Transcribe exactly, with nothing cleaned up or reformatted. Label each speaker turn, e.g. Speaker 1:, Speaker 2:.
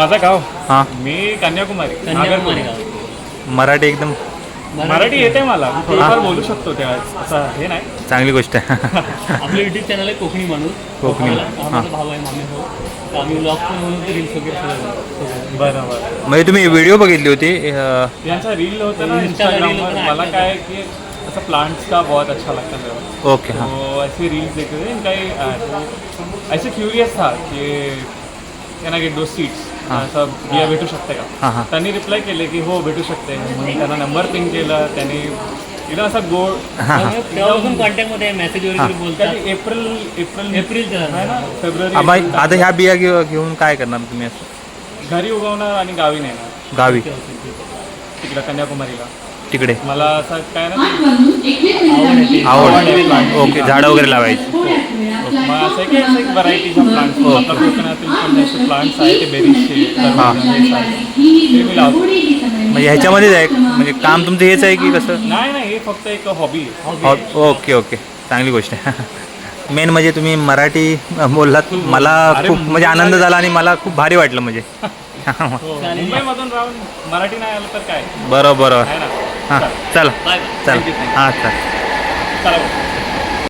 Speaker 1: माझं गाव
Speaker 2: हां
Speaker 1: मी कन्याकुमारी
Speaker 3: कन्याकुमारी
Speaker 1: नागरकोइल.
Speaker 3: गाव.
Speaker 2: मराठी एकदम
Speaker 1: मराठी येते मला थोडंफार बोलू शकतो त्या असं हे नाही.
Speaker 2: चांगली गोष्ट आहे.
Speaker 3: आपलं युट्यूब चॅनल आहे कोकणी माणूस.
Speaker 2: कोकणी.
Speaker 3: हा माझा भाऊ आहे मामी भाऊ. तर आम्ही ब्लॉग पण म्हणून रील्स वगैरे सगळं.
Speaker 1: बरं बरं.
Speaker 2: म्हणजे तुम्ही व्हिडिओ बघितली होती अं,
Speaker 1: यांचा रील होता ना
Speaker 3: Insta का reel
Speaker 1: इंस्टाग्रामवर.
Speaker 3: होता ना,
Speaker 1: मला
Speaker 3: ऐकलं
Speaker 1: काय है कि ऐसा प्लांट्स का बहुत अच्छा लगता है मेरे को.
Speaker 2: ओके हां
Speaker 1: तो ऐसे रील्स देखते थे इनका ही, आ, तो ऐसे क्यूरियस था की can I get two seats असं बिया भेटू शकते का.
Speaker 2: हां हां
Speaker 1: त्यांनी रिप्लाय केले की हो भेटू शकते म्हणून त्यांना नंबर पिंग केला. त्यांनी एकदम असा गोड
Speaker 2: हां हां
Speaker 3: त्यामुळे तेव्हापासून कॉन्टॅक्टमध्ये आहे मेसेज वगैरे बोलतात.
Speaker 1: कधी एप्रिल एप्रिल
Speaker 3: एप्रिलचं
Speaker 1: आहे ना फेब्रुवारी
Speaker 2: आबा
Speaker 1: एप्रिल
Speaker 2: आता ह्या बिया घेऊ घेऊन काय करणार तुम्ही असं
Speaker 1: घरी उगवणार आणि गावी नेणार
Speaker 2: गावी
Speaker 1: तिकडं कन्याकुमारीला.
Speaker 2: तिकडे
Speaker 1: मला असं काय ना
Speaker 2: आवड ओके झाडं वगैरे लावायची.
Speaker 1: मग असं आहे की असं एक व्हरायटीच्या प्लांट्स आपल्या कोकणातील पण असे प्लांट्स आहेत ते बेरीजचे
Speaker 2: हां.
Speaker 1: ते मी लावतो.
Speaker 2: म्हणजे ह्याच्यामध्येच आहे म्हणजे काम तुमचं हेच आहे की कसं
Speaker 1: नाही नाही हे फक्त एक हॉबी आहे.
Speaker 2: हो ओके ओके चांगली गोष्ट आहे. मेन म्हणजे तुम्ही मराठी बोललात मला
Speaker 1: अरे,
Speaker 2: खूप म्हणजे आनंद झाला आणि मला खूप भारी वाटलं म्हणजे
Speaker 1: मुंबईमधून राहून मराठी नाही आलं तर काय
Speaker 2: बरोबर बरोबर
Speaker 1: आहे ना.
Speaker 2: हां चला
Speaker 3: बाय
Speaker 2: चला
Speaker 1: Thank you, thank you.
Speaker 2: हां चला
Speaker 1: चला